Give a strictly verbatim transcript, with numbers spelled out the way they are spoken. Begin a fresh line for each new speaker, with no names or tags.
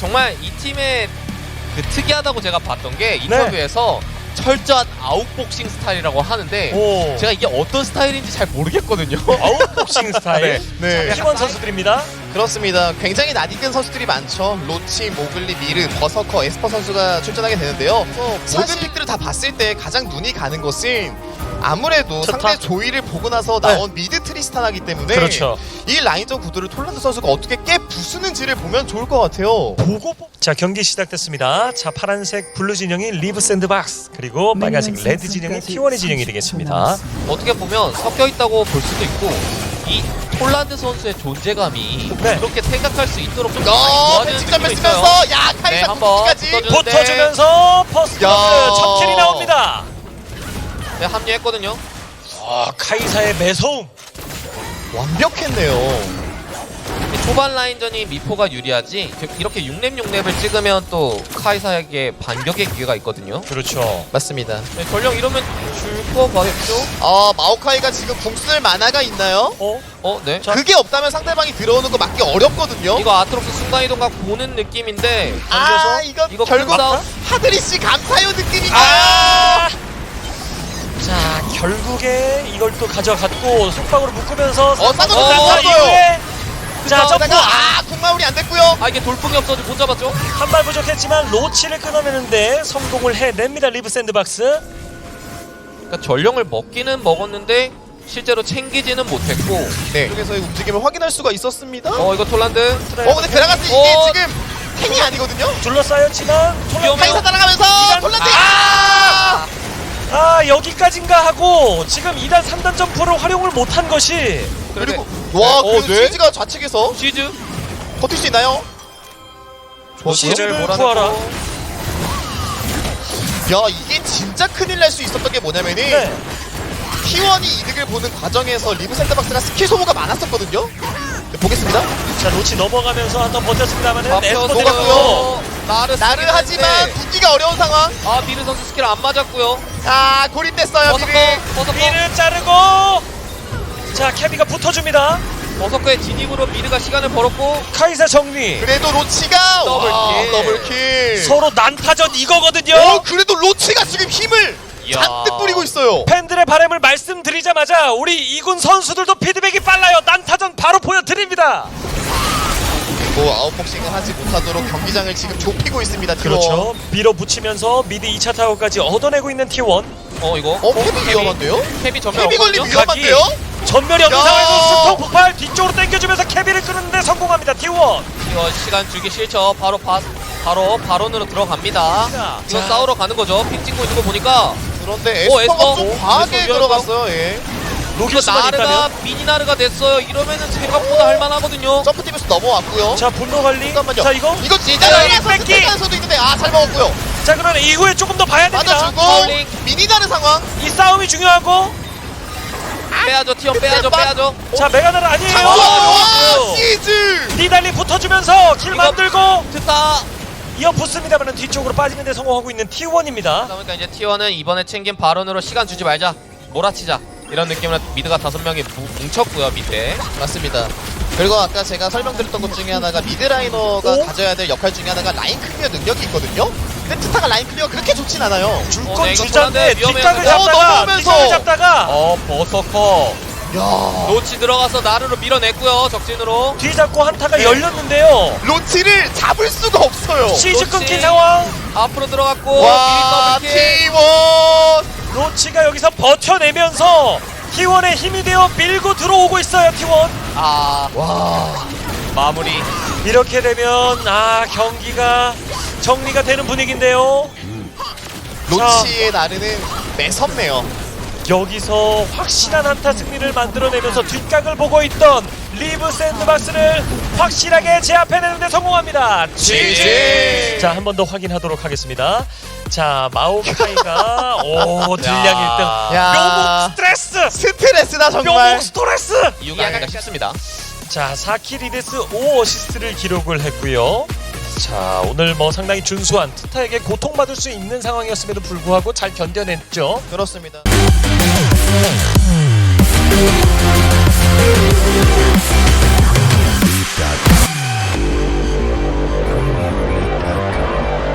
정말 이 팀의 그 특이하다고 제가 봤던 게 인터뷰에서 네. 철저한 아웃복싱 스타일이라고 하는데
오.
제가 이게 어떤 스타일인지 잘 모르겠거든요.
아웃복싱 스타일.
네.
네. 팀원 선수들입니다.
그렇습니다. 굉장히 낯익은 선수들이 많죠. 로치, 모글리, 미르, 버서커, 에스퍼 선수가 출전하게 되는데요. 모든 픽들을 다 봤을 때 가장 눈이 가는 것은 아무래도
좋다.
상대 조이를 보고 나서 나온 네. 미드 트리스타나기 때문에
그렇죠.
이 라인전 구도를 톨란드 선수가 어떻게 깨 부수는지를 보면 좋을 것 같아요.
보고 자 경기 시작됐습니다. 자 파란색 블루 진영이 리브 샌드박스 그리고 빨간색 레드 진영이 티 원의 진영이 되겠습니다.
어떻게 보면 섞여 있다고 볼 수도 있고 이 톨란드 선수의 존재감이
네.
그렇게 생각할 수 있도록 좀
어,
도와주는
벤치점을
느낌이 있어요.
쓰면서 야
네,
카이사
한번
까지
붙어주는데
붙어주면서 퍼스트
야.
첫 킬이 나옵니다.
네, 합류했거든요.
아 카이사의 매서움.
완벽했네요.
초반 라인전이 미포가 유리하지 이렇게 육 렙 육 렙을 찍으면 또 카이사에게 반격의 기회가 있거든요.
그렇죠.
맞습니다.
네, 전령 이러면 줄 거 같죠?
어, 마오카이가 지금 궁 쓸 만화가 있나요?
어?
어, 네.
자.
그게 없다면 상대방이 들어오는 거 막기 어렵거든요.
이거 아트록스 순간이동각 보는 느낌인데
아 이거,
이거
결국
막나?
하드리씨 감사요 느낌이다.
아! 자 결국에 이걸 또 가져갔고 속박으로 묶으면서
어, 쌍꺼풀
어,
땄어요.
이후에 자 점프
점프가 아 궁마울이 안 됐고요.
아 이게 돌풍이 없어서 못 잡았죠?
한 발 부족했지만 로치를 끊어내는데 성공을 해냅니다. 리브 샌드박스.
그러니까 전령을 먹기는 먹었는데 실제로 챙기지는 못했고
네. 쪽에서의 움직임을 확인할 수가 있었습니다. 어,
어 이거 톨란드
어 근데 그라가스 이게
어.
지금 탱이 아니거든요.
둘러싸였지만
위험해요.
카이사 따라가면서
이단-
톨란드
아!
아 여기까지인가 하고 지금 이 단 삼 단 점프를 활용을 못한 것이
그리고
네.
와
어,
그
네.
치즈가 좌측에서
시즈
버틸 수 있나요?
시즈를
몰아내고.
구하라.
야 이게 진짜 큰일 날 수 있었던 게 뭐냐면은
네.
티 원이 이득을 보는 과정에서 리브 샌드박스가 스킬 소모가 많았었거든요. 네, 보겠습니다.
자 로치 넘어가면서 한 번 버텼습니다만은 에스퍼
앞서서
들어갔고
먹었고요. 나를
나를
쓰긴
하지만
했는데.
붙기가 어려운 상황.
아 미르 선수 스킬 안 맞았고요.
아 고립됐어요.
버서커
미르.
버서커
미를 자르고 자 케비가 붙어줍니다.
버서커의 진입으로 미르가 시간을 벌었고
카이사 정리.
그래도 로치가
더블킬.
와, 더블킬.
서로 난타전 이거거든요.
어 그래도 로치가 지금 힘을
이야.
잔뜩 뿌리고 있어요.
팬들의 바람을 말씀드리자마자 우리 이군 선수들도 피드백이 빨라요. 난타전 바로 보여드립니다.
뭐 아웃복싱을 하지 못하도록 경기장을 지금 좁히고 있습니다. T 원.
그렇죠. 밀어붙이면서 미드 이 차 타워까지 얻어내고 있는 티 원.
어 이거
어 캡이 위험한데요?
캡이 전면
캡이 걸림
없거든요.
위험한데요?
전멸이 없는
야.
상황에서 수통 폭발 뒤쪽으로 당겨주면서 케비를 끄는데 성공합니다. 티 원.
이거 시간 주기 싫죠. 바로 바, 바로 바론으로 들어갑니다.
자,
이거
자.
싸우러 가는 거죠. 핑 찍고 있는 거 보니까
그런데
오,
에스퍼가
에스퍼.
좀 과하게
에스퍼
들어갔어요. 예.
이거
로켓수만
나르가
있다면.
미니나르가 됐어요. 이러면은 생각보다 할만하거든요.
점프팀에서 넘어왔고요.
자 분노 관리.
잠깐만요.
자 이거.
이거
자,
진짜라서
뺏기.
스택에서도 있는데 아 잘 먹었고요.
자 그러나 이후에 조금 더 봐야 됩니다.
맞아주고
컬링.
미니다는 상황.
이 싸움이 중요하고.
빼야죠. 티원 빼야죠. 빼야죠.
자 메가나르 아니에요.
와, 와
어.
시즈.
니달리 붙어주면서 킬
이거-
만들고
트타.
이어 붙습니다만 뒤쪽으로 빠지는 데 성공하고 있는 티 원입니다.
그러니까 이제 티원은 이번에 챙긴 바론으로 시간 주지 말자. 몰아치자. 이런 느낌으로 미드가 다섯 명이 뭉쳤고요. 밑에.
맞습니다. 그리고 아까 제가 설명드렸던 것 중에 하나가 미드라이너가
오?
가져야 될 역할 중에 하나가 라인 클리어 능력이 있거든요. 근데 트타가 라인 클리어가 그렇게 좋진 않아요.
줄
어,
건
네, 이거
주자인데
불안해.
뒷각을
위험해요.
잡다가
어, 넘으면서.
뒷각을 잡다가
어 버서커.
야
로치 들어가서 나르로 밀어냈고요. 적진으로.
뒤 잡고 한타가
네.
열렸는데요.
로치를 잡을 수가 없어요.
시즈
그렇지.
끊긴 상황.
앞으로 들어갔고
와
미리 더블킬.
티 원.
로치가 여기서 버텨내면서 티 원의 힘이 되어 밀고 들어오고 있어요. 티 원.
아
와.
마무리.
이렇게 되면 아 경기가 정리가 되는 분위기인데요.
로치의 나르는 매섭네요.
여기서 확실한 한타 승리를 만들어내면서 뒷각을 보고 있던 리브 샌드박스를 확실하게 제압해내는데 성공합니다.
지지.
자, 한 번 더 확인하도록 하겠습니다. 자, 마오카이가 오 딜량 일 등.
야.
묘목 스트레스.
스트레스다 정말.
묘목 스트레스.
이기하기가 쉽습니다.
자, 사 킬 이 데스 오 어시스트를 기록을 했고요. 자, 오늘 뭐 상당히 준수한 트타에게 고통받을 수 있는 상황이었음에도 불구하고 잘 견뎌냈죠.
그렇습니다.